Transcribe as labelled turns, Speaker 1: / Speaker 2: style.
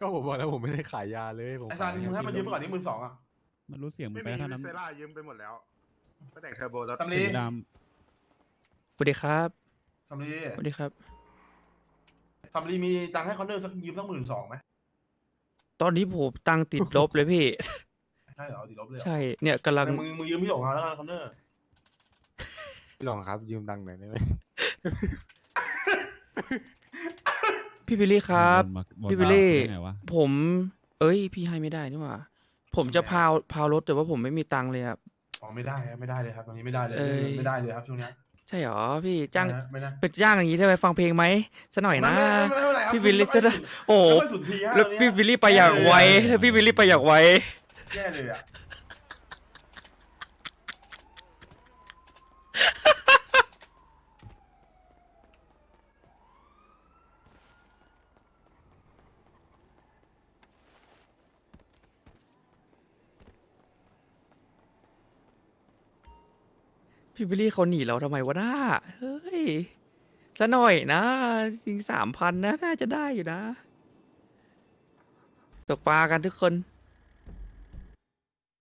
Speaker 1: ก็ผมบอกแล้วผมไม่ได้ขายยาเลยผม
Speaker 2: ไอ้ซันมึงให้มันยืมไปก่อนนี่12,000อ่ะ
Speaker 3: มันรู้เสียงมึ
Speaker 4: ไม่
Speaker 3: งไป
Speaker 4: มี
Speaker 3: เท่า
Speaker 4: วิ
Speaker 3: นั้น
Speaker 4: เซล่ายืมไปหมดแล้วก็แต่งเทอร์โบแล้ว
Speaker 2: สำลี
Speaker 3: สีด
Speaker 5: สวัสดีครับ
Speaker 2: สำลี
Speaker 5: สวัสดีครับ
Speaker 2: สำลีมีตังค์ให้คอนเนอร์สักยืมสัก12,000ไหม
Speaker 5: ตอนนี้ผมตังค์ติดลบเลยพี่
Speaker 2: ใช่เหรอติดลบเลยเหรอ
Speaker 5: ใช่เนี่ยกำลัง
Speaker 2: แต่มึงยืมพี่หลงเอาแล้วกันคอนเนอร์
Speaker 1: พี่หลองครับยืมตังค์หน่อยได้ไหม
Speaker 5: พี่บิลลี่
Speaker 3: ำ
Speaker 5: ครับ
Speaker 3: บน
Speaker 5: พี่บิลลี่
Speaker 3: ได้ไงวะ
Speaker 5: ผม เอ้ย พี่ให้ไม่ได้นี่หว่า ผมจะพาวรถแต่ว่าผมไม่มีตังค์เลยครับ
Speaker 2: อ๋อไม่ได้ครับไม่ได้เลยครับตอนนี้ไม่ได้เลย
Speaker 5: เอ้ย
Speaker 2: ไม่ได้เลยครับช่วงเนี้ย
Speaker 5: ใช่หรอพี่จ้าง
Speaker 2: ไม่ได้
Speaker 5: เป็นจ้างอย่างนี้ได้ไหมฟังเพลงไหมสักหน่อยนะ
Speaker 2: ไม่เป็นไรครับ
Speaker 5: พี่บิลลี่จะได้โอ้โห
Speaker 2: ไม่ค่อยสุนทรีย์ฮะ
Speaker 5: แล้ว
Speaker 2: ตอนเนี้ย
Speaker 5: พี่บิลลี่ไปอย่างไวแล้วพี่บิลลี่ไปอย่างไว
Speaker 2: แย่เลยอ่ะ
Speaker 5: พี่บิลลี่เขาหนีเราทำไมวะน้าเฮ้ยสักหน่อยนะจริง3,000นะน่าจะได้อยู่นะ ตกปลากันทุกคน